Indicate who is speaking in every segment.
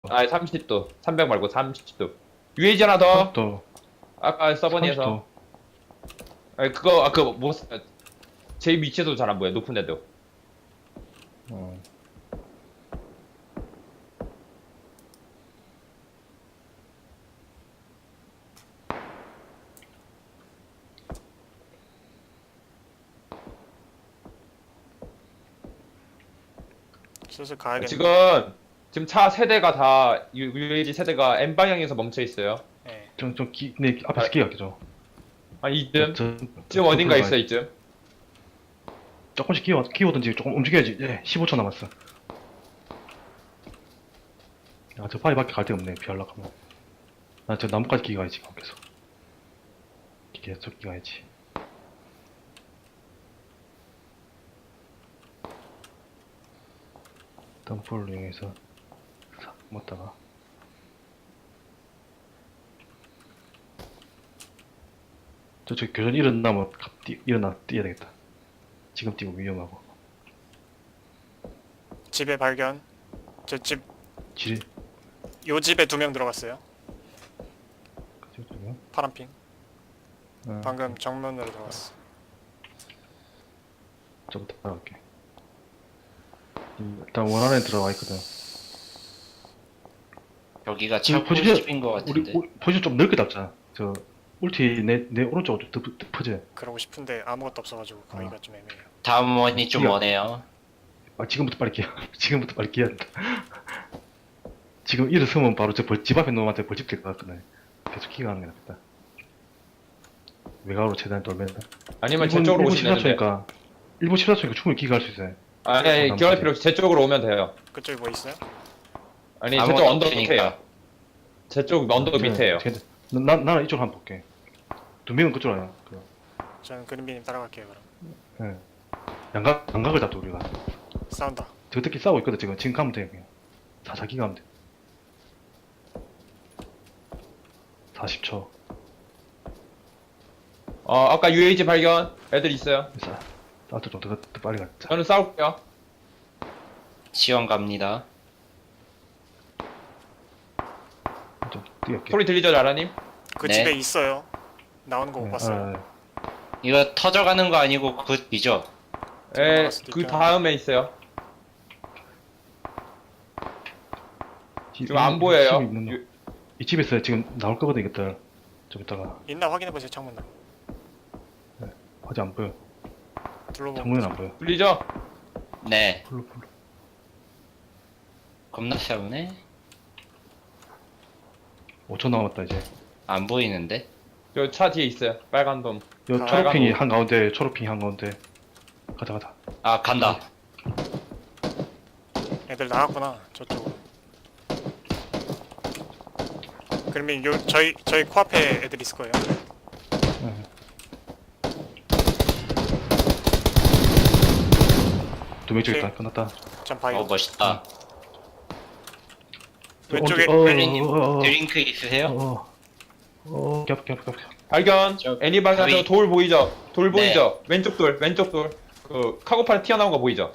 Speaker 1: 아 30도 300 말고 30도 UAG 하나 더
Speaker 2: 또
Speaker 1: 아까 서버니에서
Speaker 2: 30도.
Speaker 1: 아니 그거 그거 제 위치에도 잘 안 보여 높은데도
Speaker 2: 어.
Speaker 3: 슬슬 가야겠네.
Speaker 1: 지금 차 세대가 다 UAG 세대가 N 방향에서 멈춰 있어요.
Speaker 3: 예.
Speaker 2: 네, 앞에서 기가 죠
Speaker 1: 아 이쯤
Speaker 2: 저,
Speaker 1: 지금 어딘가
Speaker 2: 들어가야
Speaker 1: 있어 이쯤.
Speaker 2: 조금씩 기어든지 조금 움직여야지. 예, 15초 남았어. 아, 저 바위밖에 갈 데가 없네. 피하려고 하면. 나 저 나무까지 기가야지, 계속. 계속 기가야지. 덤프를 이용해서 싹 먹다가. 저쪽 교전 일어나면 일어나 뛰어야 되겠다. 지금 뛰고 위험하고.
Speaker 3: 집에 발견. 저 집,
Speaker 2: 지리,
Speaker 3: 요 집에 2명 들어갔어요.
Speaker 2: 그쪽이요?
Speaker 3: 파란핑.
Speaker 2: 어,
Speaker 3: 방금 정면으로 들어갔어.
Speaker 2: 저부터 따라갈게. 일단 원 안에 들어와 있거든.
Speaker 4: 여기가
Speaker 2: 지금
Speaker 4: 차고
Speaker 2: 포지션,
Speaker 4: 집인 것
Speaker 2: 우리
Speaker 4: 같은데.
Speaker 2: 포지션 좀 넓게 잡자. 저 울티 내 오른쪽으로 좀 덮어져.
Speaker 3: 그러고 싶은데 아무것도 없어가지고 가기가 좀 애매해요.
Speaker 4: 다음 원이 좀
Speaker 2: 이거-
Speaker 4: 머네요.
Speaker 2: 아, 지금부터 빨리 기야. 지금부터 빨리 기야 한다. 지금 일어서면 바로 집 앞에 놈한테 벌집 될 것 같거든. 계속 기가 하는 게 낫겠다. 외곽으로 최대한 돌면.
Speaker 1: 아니면 제 쪽으로 오시면 되는데.
Speaker 2: 14초니까 1분 14초니까 충분히 기가할 수 있어요.
Speaker 1: 아니 기어할 필요 없이 제 쪽으로 오면 돼요.
Speaker 3: 그쪽에 뭐 있어요?
Speaker 1: 아니 제
Speaker 4: 아무것도
Speaker 1: 쪽 언덕
Speaker 4: 없으니까.
Speaker 1: 밑에요. 제 쪽 언덕 밑에요.
Speaker 2: 나는 이쪽으로 한번 볼게. 2명은 그쪽으로 와요.
Speaker 3: 저는 그린비님 따라갈게요 그럼.
Speaker 2: 예. 양각을 잡자 우리가.
Speaker 3: 싸운다.
Speaker 2: 저들끼리 싸우고 있거든 지금. 지금 가면 돼 그냥. 자기 가면 돼. 40초.
Speaker 1: 아까 UAG 발견 애들 있어요.
Speaker 2: 싸우자 더 빨리 가자.
Speaker 1: 저는 싸울게요.
Speaker 4: 지원 갑니다.
Speaker 2: 좀 뛰어게.
Speaker 1: 소리 들리죠 라라님?
Speaker 3: 그
Speaker 4: 네.
Speaker 3: 집에 있어요. 나오는 거 못 봤어요.
Speaker 4: 이거 터져가는 거 아니고 그 비죠?
Speaker 1: 예,
Speaker 3: 나갈 수도
Speaker 1: 그
Speaker 3: 있죠.
Speaker 1: 다음에 있어요. 지금 안 보여요.
Speaker 2: 이 집에서 지금 나올 거거든 이것들. 좀 이따가
Speaker 3: 있나 확인해보세요 창문.
Speaker 2: 아직 안 보여.
Speaker 3: 둘러보고.
Speaker 2: 창문은 안 보여.
Speaker 1: 들리죠?
Speaker 4: 네.
Speaker 2: 풀로.
Speaker 4: 겁나 싸우네.
Speaker 2: 5초 남았다 이제.
Speaker 4: 안 보이는데?
Speaker 1: 저 차 뒤에 있어요. 빨간 돔.
Speaker 2: 요
Speaker 3: 아,
Speaker 2: 초록핑이
Speaker 1: 빨간
Speaker 2: 한가운데, 초록핑이 한가운데. 가자.
Speaker 4: 아, 간다.
Speaker 3: 애들 나갔구나 저쪽으로. 그러면 요 저희 코앞에 애들 있을 거예요.
Speaker 2: 두명
Speaker 3: 오케이.
Speaker 2: 있다. 끝났다.
Speaker 3: 전 바이오.
Speaker 4: 멋있다.
Speaker 3: 왼쪽에
Speaker 4: 벨리님 드링크 있으세요?
Speaker 2: 겹.
Speaker 1: 발견.
Speaker 4: 저
Speaker 1: 애니 발견.
Speaker 4: 거의-
Speaker 1: 돌 보이죠? 돌
Speaker 4: 네.
Speaker 1: 보이죠? 왼쪽 돌. 그 카고팔 튀어나온 거 보이죠?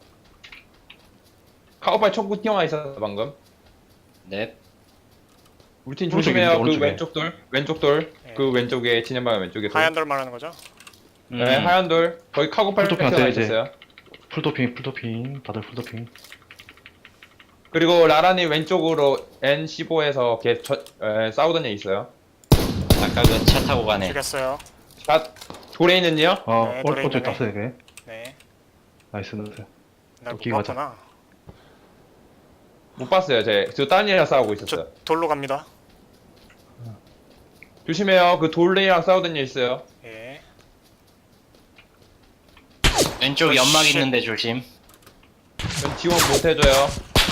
Speaker 1: 카고팔 총구 튀어나와 있었어 방금.
Speaker 4: 네.
Speaker 1: 우리 팀
Speaker 2: 오른쪽에
Speaker 1: 조심해요. 그
Speaker 2: 있는데,
Speaker 1: 왼쪽 돌.
Speaker 3: 네.
Speaker 1: 그 왼쪽에 진행 방향 왼쪽에 돌.
Speaker 3: 하얀 돌 말하는 거죠?
Speaker 1: 네, 하얀 돌. 거기 카고팔
Speaker 2: 풀도핑
Speaker 1: 튀어나와
Speaker 2: 이제.
Speaker 1: 있었어요.
Speaker 2: 풀도핑. 다들 풀도핑.
Speaker 1: 그리고 라라님 왼쪽으로 N15에서 싸우던 애 있어요.
Speaker 4: 아까 그 차 타고 가네.
Speaker 3: 죽였어요.
Speaker 1: 자, 돌에 있는요?
Speaker 3: 네, 돌에
Speaker 2: 오른쪽
Speaker 3: 있네.
Speaker 2: 땄어 이게.
Speaker 3: 네.
Speaker 2: 나이스.
Speaker 3: 날 못
Speaker 2: 오케이, 가자.
Speaker 3: 봤구나.
Speaker 1: 못 봤어요. 저 다른 애랑 싸우고 있었어요.
Speaker 3: 저 돌로 갑니다.
Speaker 1: 조심해요. 그 돌레이랑 싸우던 애 있어요.
Speaker 3: 예.
Speaker 4: 왼쪽
Speaker 3: 어,
Speaker 4: 연막
Speaker 3: 쉣.
Speaker 4: 있는데 조심.
Speaker 1: 전 지원 못 해줘요.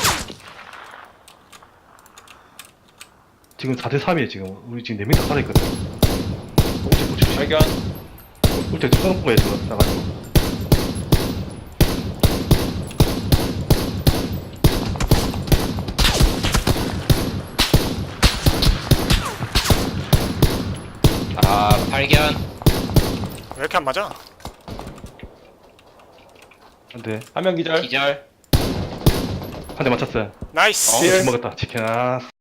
Speaker 2: 지금 4대3이에요 지금. 우리 지금 4명 다 살아있거든.
Speaker 1: 발견.
Speaker 2: 울테 써놓은 거야 지금. 나가지고.
Speaker 4: 아, 발견.
Speaker 3: 왜 이렇게 안 맞아?
Speaker 2: 안돼.
Speaker 1: 한 명 기절.
Speaker 4: 기절.
Speaker 2: 한 대 맞췄어요.
Speaker 3: 나이스.
Speaker 1: 예.
Speaker 2: 치킨 먹었다. 치킨. 아.